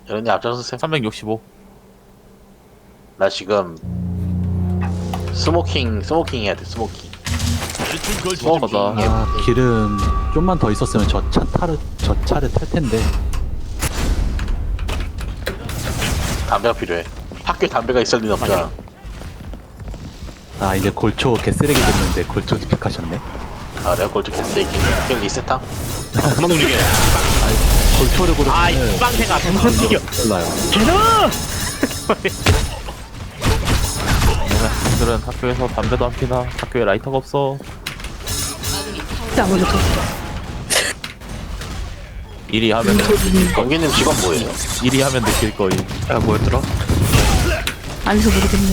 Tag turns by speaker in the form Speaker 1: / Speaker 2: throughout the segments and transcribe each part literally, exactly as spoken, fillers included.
Speaker 1: 여러분이 앞장서세요.
Speaker 2: 삼백육십오.
Speaker 1: 나 지금 스모킹 스모킹 해야 돼. 스모킹. 스모킹.
Speaker 2: 맞아.
Speaker 1: 해야
Speaker 3: 아,
Speaker 1: 돼.
Speaker 3: 길은 좀만 더 있었으면 저 차 타를 저 차를 탈 텐데.
Speaker 1: 담배가 필요해. 학교에 담배가 있을 리는 없잖아.
Speaker 3: 아, 이제 골초 개쓰레기 됐는데 골초 집착하셨네.
Speaker 1: 아 내가 골드 캐스팅 게임 리셋함.
Speaker 4: 그만 움직여.
Speaker 3: 골초를 고르면
Speaker 4: 아이 빵새가 그만 움직여.
Speaker 3: 몰라요.
Speaker 4: 걔는
Speaker 2: 학생들은 학교에서 담배도 안 피나. 학교에 라이터가 없어.
Speaker 5: 아무래도
Speaker 2: 일이 하면
Speaker 1: 경기님 직업 뭐예요?
Speaker 2: 일이 하면 느낄 거임.
Speaker 4: 야 뭐였더라?
Speaker 5: 안해서 모르겠네.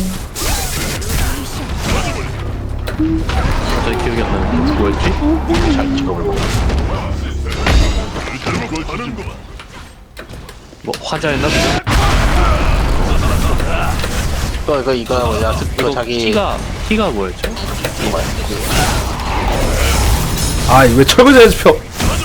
Speaker 4: 갑자기 기억이 안 나는데 뭐였지?
Speaker 1: 자기 직업을 몰라.
Speaker 4: 뭐 화자였나?
Speaker 1: 이거 이거 이거 뭐냐 이거
Speaker 4: 이거
Speaker 1: 자기
Speaker 4: 키가 키가 뭐였죠?
Speaker 1: 뭐야?
Speaker 6: 아, 왜 철거제에서 펴?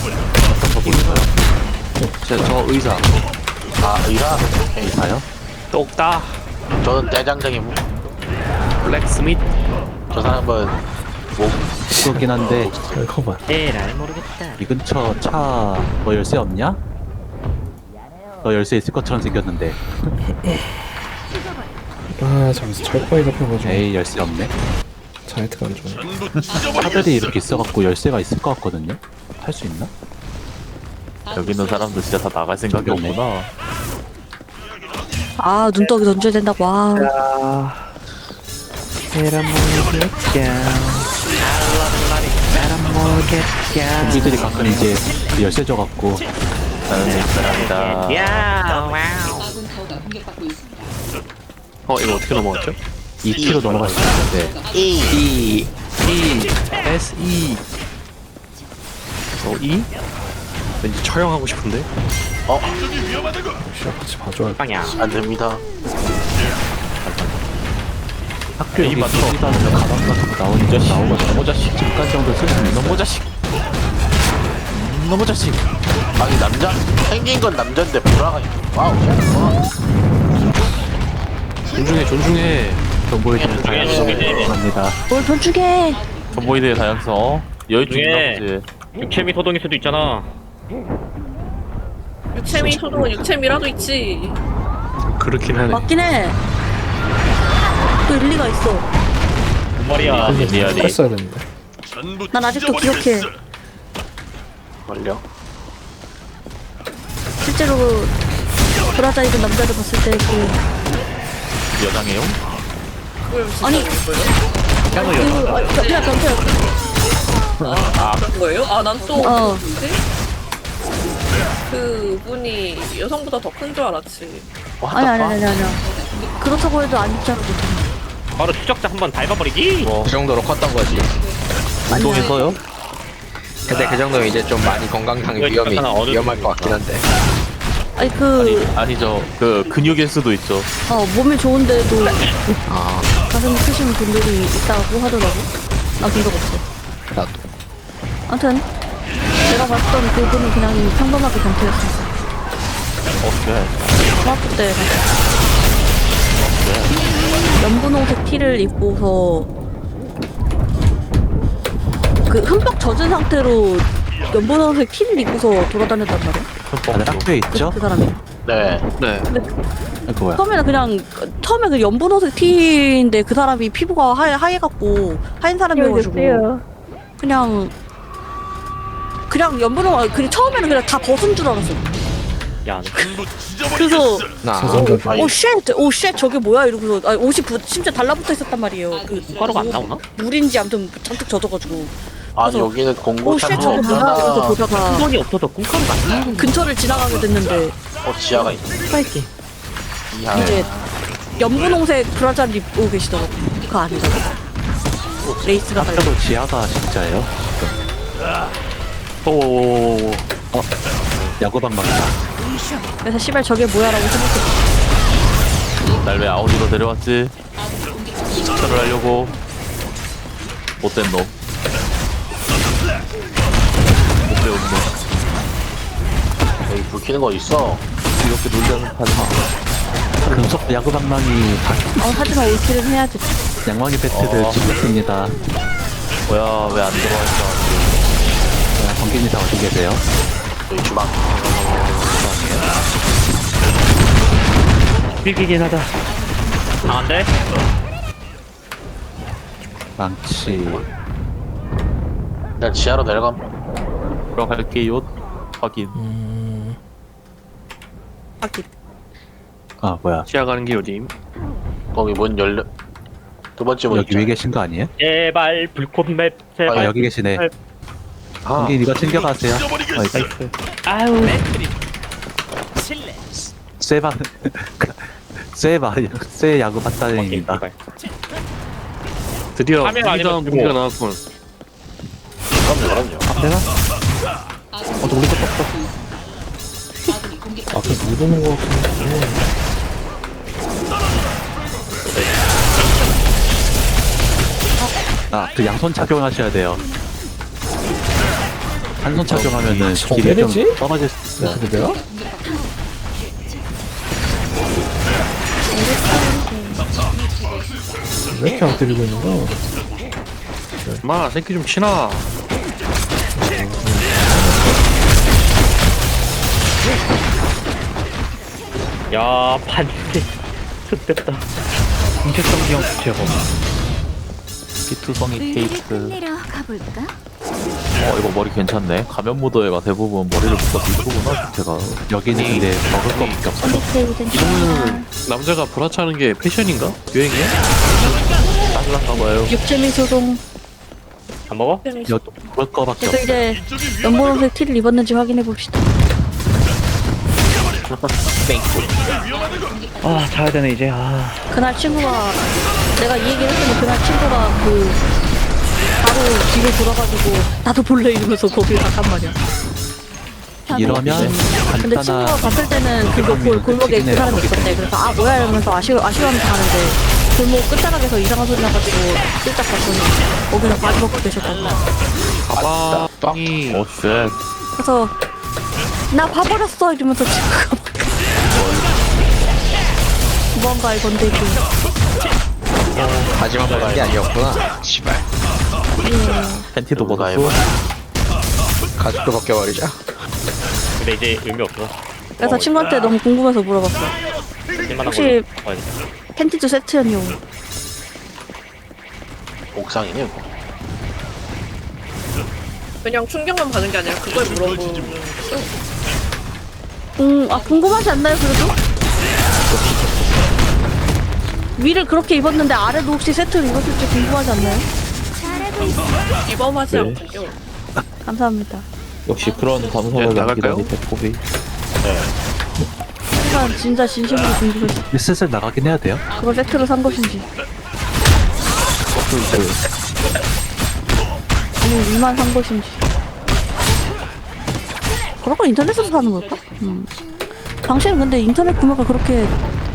Speaker 4: 저, 저 의사
Speaker 1: 아 의사? 오케이.
Speaker 3: 봐요?
Speaker 4: 똑따
Speaker 1: 저는 대장장이고
Speaker 4: 블랙스미트
Speaker 1: 저 사람은 뭐
Speaker 3: 그렇긴 한데
Speaker 6: 잠깐만.
Speaker 4: 에라이 모르겠다.
Speaker 3: 이 근처 차 너 열쇠 없냐? 너 열쇠 있을 것처럼 생겼는데.
Speaker 6: 아, 잠시 철거에 잡혀가지고
Speaker 3: 에이, 열쇠 없네.
Speaker 6: 자네트가 안 좋아.
Speaker 3: 차들이 이렇게 있어갖고 열쇠가 있을 것 같거든요. 탈 수 있나?
Speaker 2: 여기 있는 사람들 진짜 다 나갈 생각이
Speaker 3: 없네.
Speaker 2: 없구나.
Speaker 5: 아 눈떡이 던져야 된다고. 와.
Speaker 4: 에라 모르겠다. 에라 모르겠다.
Speaker 3: 좀비들이 가끔 이제 열쇠 줘갖고
Speaker 2: 나는 사람이다.
Speaker 4: 야 와우. 어 이거 어떻게 넘어갔죠?
Speaker 3: 이 킬로 넘어갈 수 있는데
Speaker 4: E E S E 어 E? 왠지 처형하고 싶은데?
Speaker 6: 시작 같이 봐줘야 돼.
Speaker 4: 빵야.
Speaker 1: 안 됩니다.
Speaker 3: 학교 여기
Speaker 2: 이 맞춰.
Speaker 3: 다니면 가방 같은 거 나오니까 나오거든요.
Speaker 2: 너무 자식.
Speaker 3: 잠깐 정도 쓸 수 있는
Speaker 2: 너무 자식. 너무 자식.
Speaker 1: 아니 남자 생긴 건 남자인데 불화가 있네. 와우. 와.
Speaker 4: 존중해 존중해.
Speaker 3: 정보해주는
Speaker 1: 중에
Speaker 3: 감사합니다.
Speaker 5: 뭘 던주게.
Speaker 2: 전보이드의 다양성. 어? 여유증 있나
Speaker 4: 중에.
Speaker 2: 보지.
Speaker 4: 육체미 소동일 수도 있잖아.
Speaker 7: 육체미 소동은 육체미라도 있지.
Speaker 4: 그렇긴 하네.
Speaker 5: 맞긴 해. 또 일리가 있어.
Speaker 4: 뭔 말이야.
Speaker 2: 리얼이.
Speaker 6: 했어야 되는데.
Speaker 5: 난 아직도 기억해.
Speaker 1: 걸려.
Speaker 5: 실제로 그 브라자 입은 남자를 봤을 때 그
Speaker 2: 여장해요?
Speaker 5: 아니 그 아, 변태 변태.
Speaker 7: 그런 거예요? 아, 난 또
Speaker 5: 어.
Speaker 7: 그 분이 여성보다 더 큰 줄 알았지.
Speaker 5: 아니 아니 아니 아니야. 그렇다고 해도 안 입잖아.
Speaker 4: 바로 추적자 한번 밟아버리기.
Speaker 8: 그 정도로 컸던 거지.
Speaker 4: 운동에서요?
Speaker 8: 근데 그 정도면 이제 좀 많이 건강상의
Speaker 4: 이거
Speaker 8: 위험이
Speaker 4: 약간 어느
Speaker 8: 위험할 것 같긴 한데.
Speaker 5: 아니 그
Speaker 2: 아니죠. 그 근육일 수도 있죠.
Speaker 5: 어, 몸이 좋은데도
Speaker 8: 아,
Speaker 5: 가슴 크신 분들이 있다고 하더라고. 나 본 적 없어.
Speaker 8: 나도.
Speaker 5: 아무튼 내가 봤던 그분은 그냥 평범하게 변태였어.
Speaker 2: 어떻게?
Speaker 5: 중학교 때 연분홍색 티를 입고서 그 흠뻑 젖은 상태로 연분홍색 티를 입고서 돌아다녔단 말이야.
Speaker 3: 다들 학교에 있죠?
Speaker 5: 그 사람이.
Speaker 1: 네.
Speaker 4: 네.
Speaker 3: 아, 그거야.
Speaker 5: 처음에는 그냥 처음에 그 연분홍색 티인데 그 사람이 피부가 하얘 하얘갖고 하얀 사람이어가지고 그냥 그냥 연분홍 그냥 처음에는 그냥 다 벗은 줄 알았어.
Speaker 4: 야.
Speaker 5: 그래서
Speaker 8: 나
Speaker 6: 사전자.
Speaker 5: 오 쉣! 오 쉣! 저게 뭐야? 이러고서 아, 옷이 부, 심지어 달라붙어 있었단 말이에요. 그
Speaker 4: 가루가 안 나오나?
Speaker 5: 물인지 아무튼 잔뜩 젖어가지고
Speaker 1: 아니
Speaker 5: 그래서-
Speaker 1: 여기는 공고
Speaker 5: 오 쉣!
Speaker 1: 참고
Speaker 5: 저게 뭐야? 이러면서
Speaker 1: 없잖아.
Speaker 5: 보다가
Speaker 4: 수건이 없어서 꿈가루가 안 나오는
Speaker 5: 근처를 지나가게 됐는데
Speaker 1: 어 지하가 있네.
Speaker 4: 스파이키.
Speaker 1: 이하.
Speaker 5: 이제 연분홍색 브라자를 입고 계시더라고. 그거 아니더라고. 레이스가 달려.
Speaker 3: 학교도 지하가 진짜예요?
Speaker 2: 오.
Speaker 3: 야구방 막다.
Speaker 5: 그래서 씨발 저게 뭐야라고 생각했어.
Speaker 2: 날 왜 아우디로 데려왔지? 추천을 하려고. 못된 놈. 못 배운 놈.
Speaker 1: 여기 불 켜는 거 있어.
Speaker 2: 이렇게 놀려는 판이
Speaker 3: 금속 야구 방망이
Speaker 5: 어, 하지만 올킬은 해야지.
Speaker 3: 양망이 배트를
Speaker 2: 어.
Speaker 3: 죽였습니다.
Speaker 2: 뭐야 왜 안 들어왔어?
Speaker 3: 자, 번개님 다 어디 계세요?
Speaker 1: 저희 주방.
Speaker 4: 비기긴 하다. 강한데?
Speaker 3: 망치.
Speaker 1: 일단 지하로 내려감.
Speaker 2: 들어갈게요. 확인.
Speaker 6: 음,
Speaker 5: 하긴.
Speaker 3: 아 뭐야?
Speaker 2: 시야 가는 게 요즘.
Speaker 1: 거기 문 열려. 두 번째 문
Speaker 3: 여기 위에
Speaker 1: 있잖아.
Speaker 3: 계신 거 아니에요?
Speaker 4: 제발 불꽃맵
Speaker 3: 아
Speaker 4: 제발.
Speaker 3: 여기 계시네.
Speaker 1: 아,
Speaker 3: 번개님 이거 챙겨가세요.
Speaker 4: 나이스. 아유.
Speaker 3: 쇠바 쇠바 쇠 야구 바타입니다.
Speaker 4: 제발.
Speaker 2: 드디어
Speaker 4: 카메라 아니면
Speaker 2: 무기다운
Speaker 4: 들고.
Speaker 2: 무기가 나왔군.
Speaker 1: 그럼요, 그럼요.
Speaker 3: 앞에나? 어 우리 거 떴어.
Speaker 6: 앞에 못 오는 거 같은데.
Speaker 3: 아그 양손 착용하셔야 돼요. 한 손 착용하면은
Speaker 6: 저
Speaker 3: 길이 좀
Speaker 6: 때리지?
Speaker 3: 떨어질 수 있어요.
Speaker 6: 근데 내가? 왜 이렇게 안 때리고 있는 거야?
Speaker 2: 마 새끼 좀 치나.
Speaker 4: 야 반대. 좋됐다. 공개성 기억 제법.
Speaker 2: 피투성이 케이크.
Speaker 9: 끝내러 가볼까?
Speaker 2: 어 이거 머리 괜찮네. 가면 무도회가 대부분 머리를 묶어서 이쁘구나 상태가.
Speaker 3: 여기는 근데 먹을 거밖에 없어요.
Speaker 2: 이거는 남자가 불화차는 게 패션인가? 유행이야? 따질란가 봐요.
Speaker 5: 육체미 소동.
Speaker 4: 안 먹어?
Speaker 3: 여 먹을 거밖에
Speaker 5: 그래서
Speaker 3: 없어요.
Speaker 5: 이제 연보라색 티를 입었는지 확인해 봅시다.
Speaker 4: 아 자야 되네 이제. 아.
Speaker 5: 그날 친구가 내가 이 얘기를 했더니 그날 친구가 그 바로 뒤로 돌아가지고 나도 볼래 이러면서 거기 갔단 말이야.
Speaker 3: 이러면
Speaker 5: 근데 친구가
Speaker 3: 간단한
Speaker 5: 봤을 때는 그거 골, 골목에 그 사람이 있었대. 그래서 아 뭐야 이러면서 아쉬워 아쉬워하면서 가는데 골목 끝자락에서 이상한 소리 나가지고 슬쩍 봤더니 거기서 바지 벗고 계셨다고.
Speaker 2: 가방이 오 쉣.
Speaker 5: 그래서 나 봐버렸어 이러면서 친구가 뭔가 건데기.
Speaker 8: 마지막 보는 게 아니었구나. 씨발.
Speaker 2: 팬티도
Speaker 1: 누가
Speaker 2: 벗었고.
Speaker 8: 가죽도 벗겨버리자.
Speaker 4: 근데 이제 의미 없어.
Speaker 5: 그래서 친구한테 너무 궁금해서 물어봤어.
Speaker 4: 쓸만한
Speaker 5: 혹시-
Speaker 4: 걸로 바꿔야겠다.
Speaker 5: 팬티도 세트였냐고.
Speaker 1: 옥상이네. 이거.
Speaker 7: 그냥 충격만 받은 게 아니라 그걸 물어보는.
Speaker 5: 음, 아 궁금하지 않나요 그래도? 위를 그렇게 입었는데 아래도 혹시 세트를 입었을지 궁금하지 않나요?
Speaker 9: 잘하고 있어.
Speaker 7: 이범하지
Speaker 2: 네.
Speaker 7: 않군요.
Speaker 5: 감사합니다.
Speaker 2: 역시 그런 감성을 남기다니 배꼽이.
Speaker 5: 하지만 진짜 진심으로 궁금했어.
Speaker 3: 이제 슬슬 나가긴 해야 돼요.
Speaker 5: 그걸 세트로 산 것인지. 아니면 위만 산 것인지. 그런 걸 인터넷에서 사는 걸까? 음. 당시에는 근데 인터넷 구매가 그렇게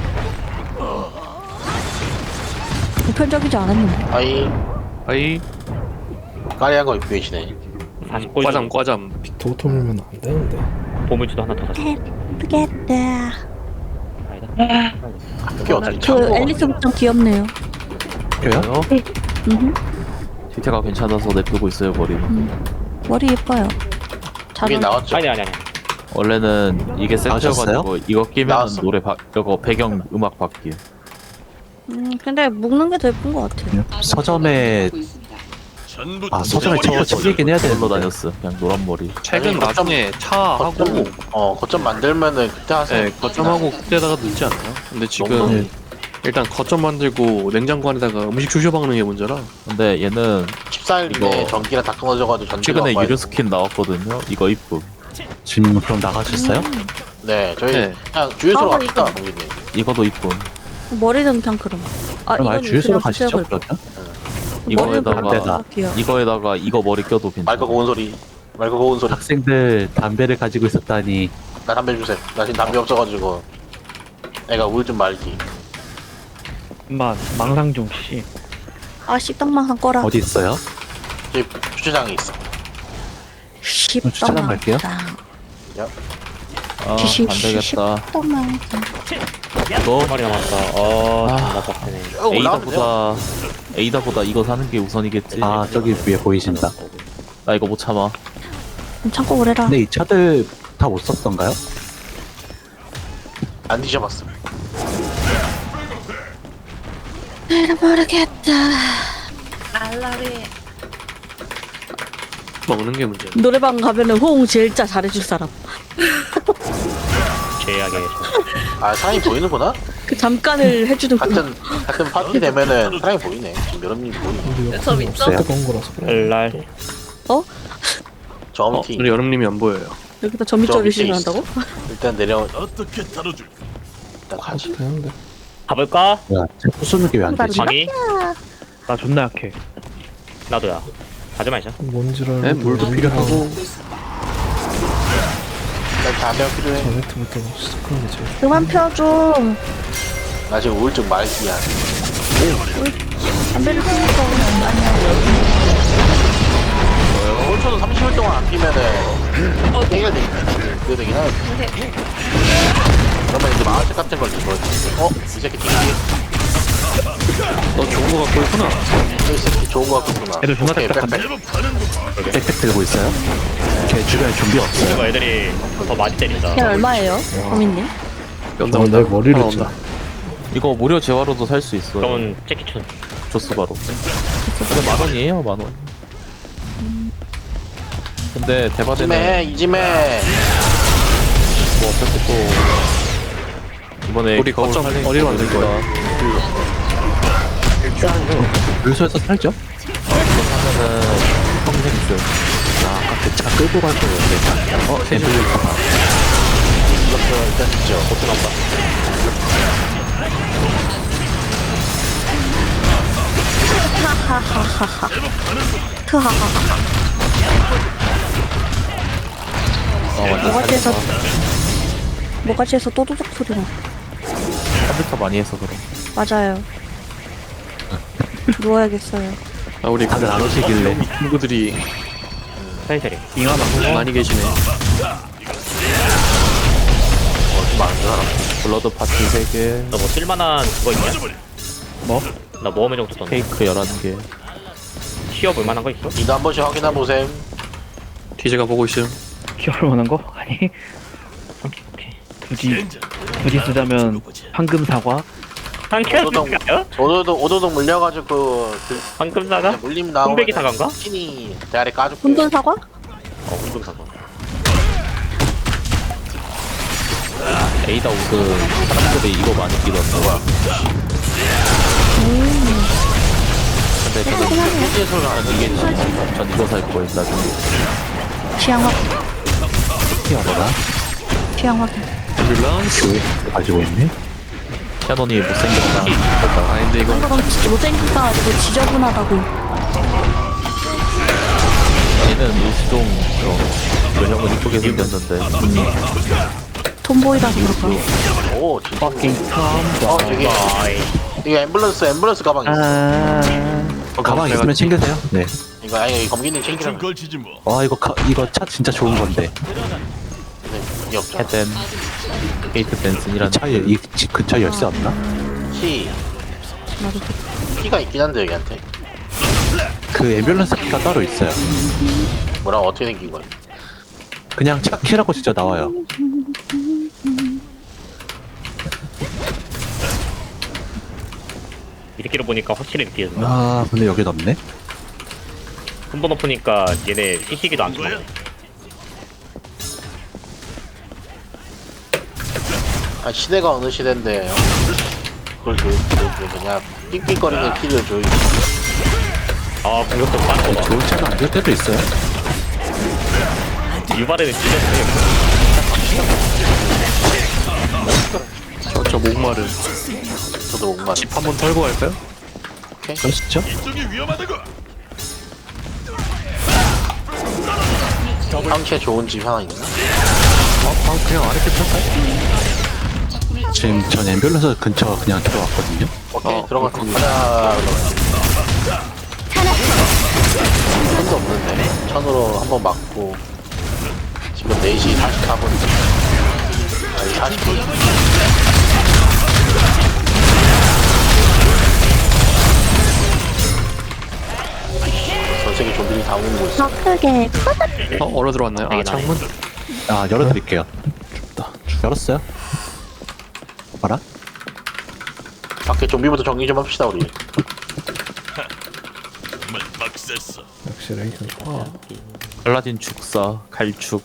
Speaker 5: 보편적이지 않았는데.
Speaker 1: 아이,
Speaker 2: 아이
Speaker 1: 까리한 거 입고 계시네.
Speaker 4: 사십 골
Speaker 2: 과잠 과잠.
Speaker 6: 빅토토 밀면 안 되는데.
Speaker 4: 보물주도 하나 더 사자.
Speaker 5: 모르겠다.
Speaker 4: 아니다.
Speaker 1: 그게 어떻게
Speaker 5: 그
Speaker 1: 참고
Speaker 5: 앨리스 복장 귀엽네요.
Speaker 3: 그래요?
Speaker 5: 음.
Speaker 2: 뒤태가 괜찮아서 내쁘고 있어요 머리는.
Speaker 5: 머리 예뻐요. 잘
Speaker 1: 이게
Speaker 5: 어울려.
Speaker 1: 나왔죠?
Speaker 4: 아니 아니 아니.
Speaker 2: 원래는 이게 세트여가지고 이거 끼면
Speaker 1: 나왔어.
Speaker 2: 노래 바 이거 배경 음악 바뀌어.
Speaker 5: 음, 근데 묶는 게 더 예쁜 것 같아요.
Speaker 3: 서점에 아 서점에 책도 챙기긴 해야
Speaker 2: 걸로
Speaker 3: 되는데
Speaker 2: 다녔어. 그냥 노란 머리.
Speaker 1: 최근
Speaker 2: 책은 나중에 차하고
Speaker 1: 거점, 어, 거점 만들면은 그때 하세요.
Speaker 2: 네, 거점하고 그때다가 넣지 않나요? 근데 지금
Speaker 1: 너무-
Speaker 2: 일단 거점 만들고 냉장고 안에다가 음식 주셔 박는 게 문제라. 근데 얘는
Speaker 1: 십사 일 내에
Speaker 2: 이거-
Speaker 1: 전기가 다 끊어져가지고 전기가
Speaker 2: 최근에
Speaker 1: 와요.
Speaker 2: 유료 스킨 나왔거든요. 이거 이쁨.
Speaker 3: 지금 그럼 나가셨어요?
Speaker 1: 네, 저희
Speaker 2: 네.
Speaker 1: 그냥 주유소로
Speaker 5: 아,
Speaker 1: 갑시다,
Speaker 5: 이거-
Speaker 1: 공기님.
Speaker 2: 이거도 이쁨.
Speaker 5: 머리는 그냥 그럼. 아,
Speaker 3: 그럼 아예
Speaker 5: 이건
Speaker 3: 주유소로
Speaker 5: 그냥
Speaker 3: 가시죠
Speaker 5: 수색을-
Speaker 3: 그러면?
Speaker 5: 머리는
Speaker 2: 이거에다가
Speaker 3: 반대다.
Speaker 5: 귀여워.
Speaker 2: 이거에다가 이거 머리 껴도 괜찮아.
Speaker 1: 맑고 고운 소리. 맑고 고운 소리.
Speaker 3: 학생들 담배를 가지고 있었다니.
Speaker 1: 나 담배 주세요. 나 지금 담배 없어가지고. 애가 우울증 말기.
Speaker 4: 엄마 망상 좀 씨.
Speaker 5: 아, 식당만 꺼라.
Speaker 3: 어디 있어요?
Speaker 1: 저희 주차장에 있어.
Speaker 3: 주차장 갈게요.
Speaker 1: 야.
Speaker 2: 아
Speaker 5: 지식
Speaker 2: 안되겠다.
Speaker 5: 또만
Speaker 2: 너
Speaker 4: 한 마리 남았다. 어, 존나 빡세네.
Speaker 1: 어, 올라오면 돼요.
Speaker 2: 에이다보다 에이다보다 이거 사는 게 우선이겠지.
Speaker 3: 아 저기 위에 보이신다.
Speaker 2: 나 이거 못 참아.
Speaker 5: 참고 그래라.
Speaker 3: 근데 이 차들 다 못 썼던가요?
Speaker 1: 안 뒤져봤어.
Speaker 5: 모르겠다.
Speaker 7: 알라리.
Speaker 4: 먹는 게 문제.
Speaker 5: 노래방 가면은 호응 진짜 잘해줄 사람.
Speaker 4: 죄악의
Speaker 1: 아 사람이 보이는구나?
Speaker 5: 그 잠깐을 해주는 그
Speaker 1: 같은 같은 파티 되면은 사람이 보이네. 지금 여러분이 보이네.
Speaker 6: 우리
Speaker 7: 저 있죠?
Speaker 3: 없어요.
Speaker 6: 뜨거운 거라서 그래.
Speaker 4: 날.
Speaker 1: 저 팀
Speaker 4: 우리 여름님이 안 보여요.
Speaker 5: 여기다
Speaker 1: 저
Speaker 5: 점입절을
Speaker 1: 밑에
Speaker 5: 시전한다고?
Speaker 1: 일단 내려. 일단 가지.
Speaker 6: 되는데.
Speaker 4: 가볼까?
Speaker 3: 야, 부수는 게 왜 안 되지?
Speaker 4: 방이? 나 존나 약해. 나도야. 가지 마자.
Speaker 6: 뭔지를
Speaker 2: 네, 물도 필요하고.
Speaker 1: 일단 담배 필요해.
Speaker 6: 저네트부터 시작하는 게 제일
Speaker 5: 그만 펴줘.
Speaker 1: 나 지금 우울증 말기야.
Speaker 5: 담배를 피우니까
Speaker 1: 올 초도 삼십 일 동안 안 피면은 해결되긴 그게 되긴 하는데. 그러면 이제 마을책 같은 걸 이거 어? 이 새끼 튕기.
Speaker 4: 너 좋은 거 갖고 있구나.
Speaker 1: 이 새끼 좋은 거 같구나.
Speaker 4: 애들 존나
Speaker 1: 오케이,
Speaker 4: 딱딱한데?
Speaker 1: 빽빽.
Speaker 3: 백팩 들고 있어요? 걔 주변에 좀비 없어요?
Speaker 4: 이거 애들이 더 많이 때린다.
Speaker 5: 걔 얼마예요? 범인님?
Speaker 6: 나 내 머리를 짜.
Speaker 2: 이거 무료 재화로도 살 수 있어.
Speaker 4: 그러면 재키춘.
Speaker 2: 조스 바로. 근데 만 원이에요, 만 원. 근데 대바대는
Speaker 1: 이지매 이지매.
Speaker 2: 뭐 어차피 또 이번에
Speaker 4: 우리
Speaker 2: 겨울
Speaker 4: 거점
Speaker 2: 살리는
Speaker 4: 어디로
Speaker 2: 거
Speaker 4: 만들 거야?
Speaker 3: 물소에서 살죠?
Speaker 2: 하면은 평생 있어요.
Speaker 3: 아 아까 그 차 끌고 갈 거였는데. 어? 앰뷸런스
Speaker 1: 이것도 일단 있죠.
Speaker 4: 보트 난다.
Speaker 5: 하하하하하. 트하하하하.
Speaker 2: 어 완전
Speaker 5: 모가지에서
Speaker 2: 살렸다.
Speaker 5: 모가지에서 또도둑 소리 나.
Speaker 2: 컴퓨터 많이 해서 그래.
Speaker 5: 맞아요. 누워야겠어요.
Speaker 2: 아 우리
Speaker 3: 다들 안 오시길래.
Speaker 2: 친구들이
Speaker 4: 사이사리. 잉하다. 많이 계시네.
Speaker 1: 어좀 많은 줄 알아.
Speaker 2: 블러드 파티 세 개,
Speaker 4: 너 뭐 쓸만한 그거 있냐? 뭐? 나 모험의 정도 떴네.
Speaker 2: 케이크 열한 개.
Speaker 4: 키워볼 만한 거 있어?
Speaker 1: 이도 한 번씩 확인해 보셈.
Speaker 2: 티제가 보고 있음.
Speaker 4: 키워볼 만한 거? 아니. 오케이. 굳이 굳이 쓰자면 황금 사과? 황금
Speaker 1: 오도독 오도독 오도독 물려가지고 그
Speaker 4: 황금 사과?
Speaker 1: 물림 나오면
Speaker 4: 홍배기 사과인가?
Speaker 1: 스킨이 대아래 까줄게.
Speaker 5: 혼돈 사과?
Speaker 4: 어, 황금 사과.
Speaker 2: 에이다 옷은 사람들이 이거 많이 끼던데.
Speaker 1: 뭐야?
Speaker 2: 근데 저는 전 이게 전 이거 살 거예요 나중에.
Speaker 5: 취향 확인.
Speaker 3: 피어라.
Speaker 5: 취향 확인.
Speaker 3: 교회 가지고 있네?
Speaker 2: 캐논이 못생겼다. 아닌데 이거
Speaker 5: 그럼 진짜 못생기니까 아니고 지저분하다고.
Speaker 2: 얘는 일시종 저 형은 이쁘게 생겼는데
Speaker 5: 톰보이라서 그럴까?
Speaker 1: 오 진짜.
Speaker 4: Fucking
Speaker 1: 어 되게 이거 앰뷸런스 앰뷸런스 가방 있어.
Speaker 3: 어, 가방 있으면 챙기세요. 네.
Speaker 1: 이거 아니 이거 검기님 챙기라고.
Speaker 3: 와 이거 가, 이거 차 진짜 좋은 건데.
Speaker 1: 근데 이게 없잖아.
Speaker 2: 헤덴 케이트
Speaker 3: 이
Speaker 2: 댄슨이라는
Speaker 3: 차에 이 집 근처 열쇠 없나?
Speaker 1: 키
Speaker 5: 나도
Speaker 1: 키가 있긴 한데 여기한테.
Speaker 3: 그 앰뷸런스 키가 따로 있어요.
Speaker 1: 뭐라고 어떻게 생긴 거야?
Speaker 3: 그냥 차 키라고 진짜 나와요.
Speaker 4: 이렇게로 보니까 확실히 느껴진다.
Speaker 3: 아 근데 여기 없네.
Speaker 4: 한 번 엎으니까 얘네 시시기도 안 좋아.
Speaker 1: 아 시대가 어느 시대인데 그걸 줘, 줘, 줘, 그냥 삑삑거리는 키를 줘.
Speaker 4: 아 공격도 많고 봐.
Speaker 3: 좋은 차가 안 될 때도 있어요.
Speaker 4: 유발에는 찢었네.
Speaker 2: 저저 목마른
Speaker 1: 저도 목마.
Speaker 2: 한번 털고 갈까요?
Speaker 3: 그렇죠?
Speaker 1: 상체 좋은 집 하나 있나?
Speaker 2: 아 그냥 아래 게 털까요?
Speaker 3: 지금 전 앰뷸런스 근처 그냥 들어왔거든요.
Speaker 1: 오케이
Speaker 2: 어,
Speaker 1: 들어갔습니다. 하나 손도 없는데 천으로 한번 맞고 지금 네 시 사십사 분 사십 분. 전 세계 좀비들이 다 오는 곳 있어.
Speaker 5: 더 크게.
Speaker 6: 어 얼어 들어왔나요? 아 창문?
Speaker 3: 아 열어드릴게요.
Speaker 6: 춥다.
Speaker 3: 열었어요? 봐라.
Speaker 1: 밖에 좀비부터 정리 좀 합시다 우리.
Speaker 6: 역시 레이튼 좋아.
Speaker 2: 알라딘 축사 갈축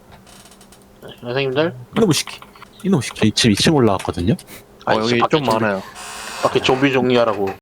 Speaker 1: 선생님들
Speaker 3: 이놈의 시키. 이놈의 시키. 지금 이 층 올라왔거든요.
Speaker 1: 아니,
Speaker 2: 어 여기
Speaker 1: 밖에
Speaker 2: 좀
Speaker 1: 좀비-
Speaker 2: 많아요.
Speaker 1: 밖에 좀비 정리하라고.